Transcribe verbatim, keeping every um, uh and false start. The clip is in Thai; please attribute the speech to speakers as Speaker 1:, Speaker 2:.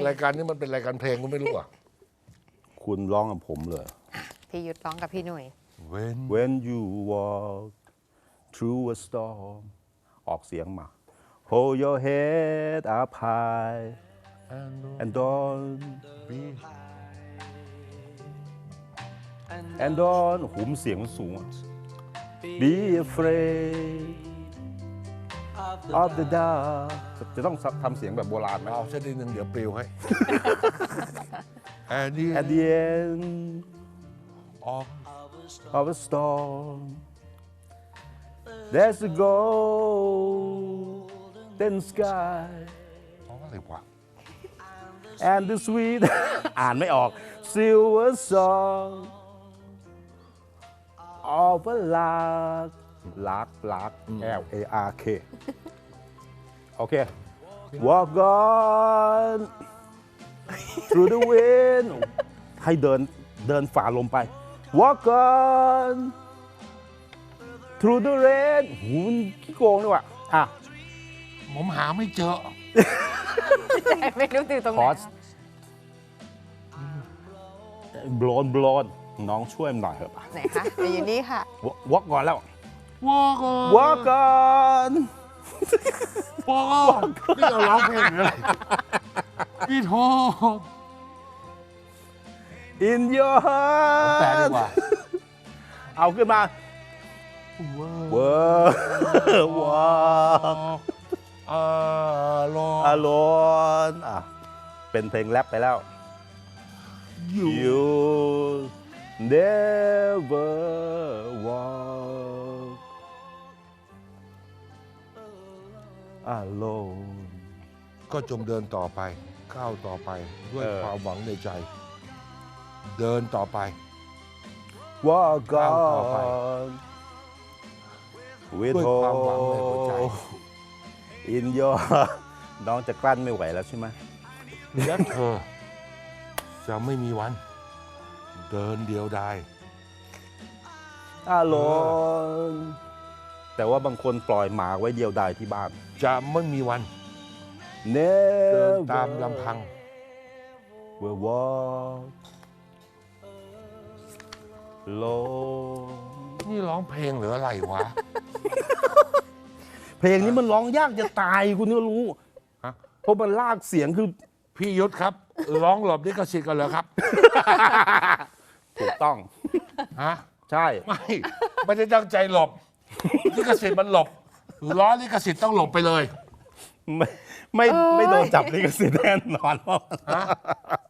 Speaker 1: รายการนี้มันเป็นรายการเพลงก็ไม่รู้อ่ะ
Speaker 2: คุณร้องกับผมเลย
Speaker 3: พี่ยุทธร้องกับพี่หนุ่ย
Speaker 1: When
Speaker 2: When you walk through a storm ออกเสียงมา Hold your head up high and don't
Speaker 1: be
Speaker 2: and don't หูมนเสียงมันสูงอะ Be afraid of the dark จะต้องทำเสียงแบบโบราณไหม
Speaker 1: เอาสักนิดหนึ่งเดี๋ยวปลิวให้ And the
Speaker 2: At the end
Speaker 1: of
Speaker 2: of a storm there's a golden sky
Speaker 1: อะไรวะ
Speaker 2: and the sweet อ่านไม่ออก silver song of a lark lark lark L A R K โอเค walk on through the wind ให้เดินเดินฝ่าลมไป walk on through the rain หูมันขี้โกงด้วยว่ะอ่ะ
Speaker 1: ผมหาไม่เจอ
Speaker 3: ไม่รู้ตื่นตรงไห
Speaker 2: คน อสบลอนบลอนน้องช่วยมันหน่อยเถอะ
Speaker 3: ไหนคะไปอยู่นี่ค่ะ
Speaker 2: วอกก่อนแล้ว
Speaker 1: Walk on
Speaker 2: วอกก่อน
Speaker 1: Walk on นี่เราร้องเพลงหรืออะไรพี่โท
Speaker 2: in your
Speaker 1: แปลดี
Speaker 2: heart
Speaker 1: กว่า
Speaker 2: เอาขึ้นมาเวอร์วอก
Speaker 1: อ่าลอ
Speaker 2: อารอนอ่ะเป็นเพลงแรปไปแล้ว
Speaker 1: อยู่
Speaker 2: you never walk alone
Speaker 1: ก็จงเดินต่อไปก้าวต่อไปด้วย
Speaker 2: เออ
Speaker 1: ความหวังในใจ เดินต่อไป
Speaker 2: walk
Speaker 1: ก้าวต่อไป
Speaker 2: on with
Speaker 1: ด้วยความหวังในหัวใจ
Speaker 2: hope in your น้องจะกลั้นไม่ไหวแล้วใช่ไหม
Speaker 1: และเธอ จะไม่มีวัน เดินเดียวดาย
Speaker 2: alone แต่ว่าบางคนปล่อยหมาไว้เดียวดายที่บ้าน
Speaker 1: จะไม่มีวัน เดิ
Speaker 2: never
Speaker 1: นตามลำพัง
Speaker 2: will walk alone
Speaker 1: นี่ร้องเพลงหรืออะไรวะ
Speaker 2: เพลงนี้มันร้องยากจะตายคุณก็รู้
Speaker 1: ฮะ
Speaker 2: เพราะมันลากเสียงคือ
Speaker 1: พี่ยุทธครับ ร้องหลบลิขสิทธิ์กันเหรอครับ
Speaker 2: ถูกต้อง
Speaker 1: ฮะ
Speaker 2: ใช่
Speaker 1: ไม่ ไม่ได้ตั้งใจหลบ ลิขสิทธิ์มันหลบล้อลิขสิทธิ์ต้องหลบไปเลย
Speaker 2: ไม่ไม่ไม่โดนจับลิขสิทธิ์แน่นอน
Speaker 1: ฮะ